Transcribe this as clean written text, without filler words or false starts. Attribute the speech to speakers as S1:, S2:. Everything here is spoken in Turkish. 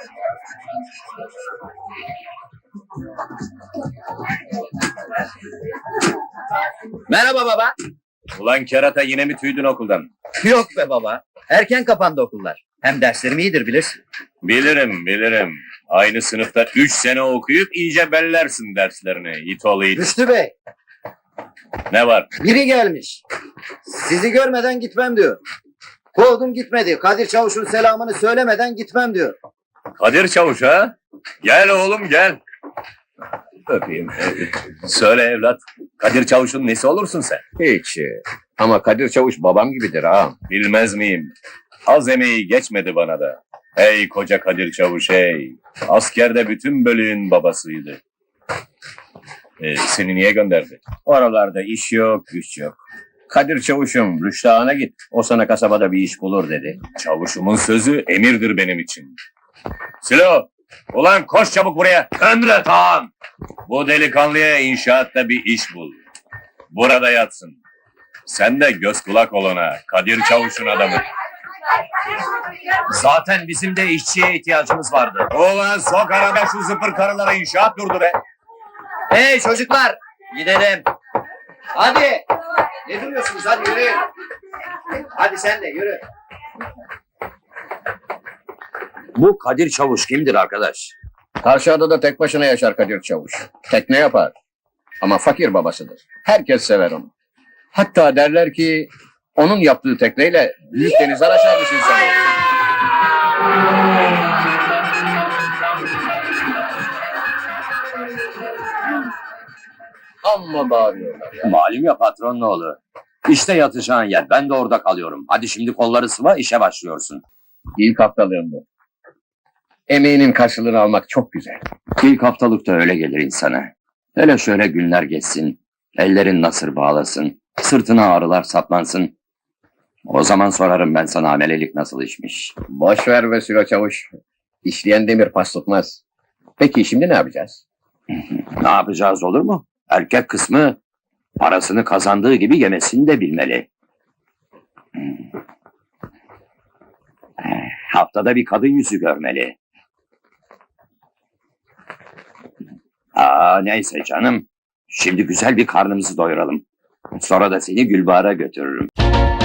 S1: Merhaba baba.
S2: Ulan kerata yine mi tüydün okuldan?
S1: Yok be baba. Erken kapandı okullar. Hem derslerim iyidir bilirsin.
S2: Bilirim. Aynı sınıfta 3 sene okuyup iyice bellersin derslerini. İt oğlu it.
S1: Rüştü Bey,
S2: Ne var?
S1: biri gelmiş. Sizi görmeden gitmem diyor. Kovdum gitmedi. Kadir Çavuş'un selamını söylemeden gitmem diyor.
S2: Kadir Çavuş ha? Gel oğlum gel. Öpeyim. Söyle evlat. Kadir Çavuş'un nesi olursun sen?
S3: Hiç. Ama Kadir Çavuş babam gibidir ağam.
S2: Bilmez miyim? Az emeği geçmedi bana da. Hey koca Kadir Çavuş hey. Askerde bütün bölüğün babasıydı. Seni niye gönderdi?
S3: Oralarda iş yok, güç yok. Kadir Çavuş'um Rüştü Ağa'na git. O sana kasabada bir iş bulur dedi.
S2: Çavuşumun sözü emirdir benim için. Silo! Ulan koş çabuk buraya. Emret ağam. Bu delikanlıya inşaatta bir iş bul. Burada yatsın. Sen de göz kulak ol ona. Kadir Çavuş'un adamı.
S3: Zaten bizim de işçiye ihtiyacımız vardı.
S2: Ulan sok arada şu zıpır karılara inşaat durdu be.
S1: Hey çocuklar, gidelim. Hadi. Ne duruyorsunuz? Hadi yürüyün. Hadi sen de yürü.
S3: Bu Kadir Çavuş kimdir arkadaş? Karşı adada tek başına yaşar Kadir Çavuş. Tekne yapar. Ama fakir babasıdır. Herkes sever onu. Hatta derler ki onun yaptığı tekneyle büyük denizler aşarmış insan olur. Amma bağırıyorlar ya.
S4: Malum ya patron ne oğlu. İşte yatacağın yer. Ben de orada kalıyorum. Hadi şimdi kolları sıva işe başlıyorsun.
S3: İlk haftalığım bu. Emeğinin karşılığını almak çok güzel.
S4: İlk haftalıkta öyle gelir insana. Hele şöyle günler geçsin. Ellerin nasır bağlasın. Sırtına ağrılar saplansın. O zaman sorarım ben sana amelelik nasıl işmiş.
S3: Boş ver be Sülo Çavuş. İşleyen demir pas tutmaz. Peki şimdi ne yapacağız?
S4: Ne yapacağız olur mu? Erkek kısmı parasını kazandığı gibi yemesini de bilmeli. Haftada bir kadın yüzü görmeli. Neyse canım. Şimdi güzel bir karnımızı doyuralım. Sonra da seni Gülbahar'a götürürüm.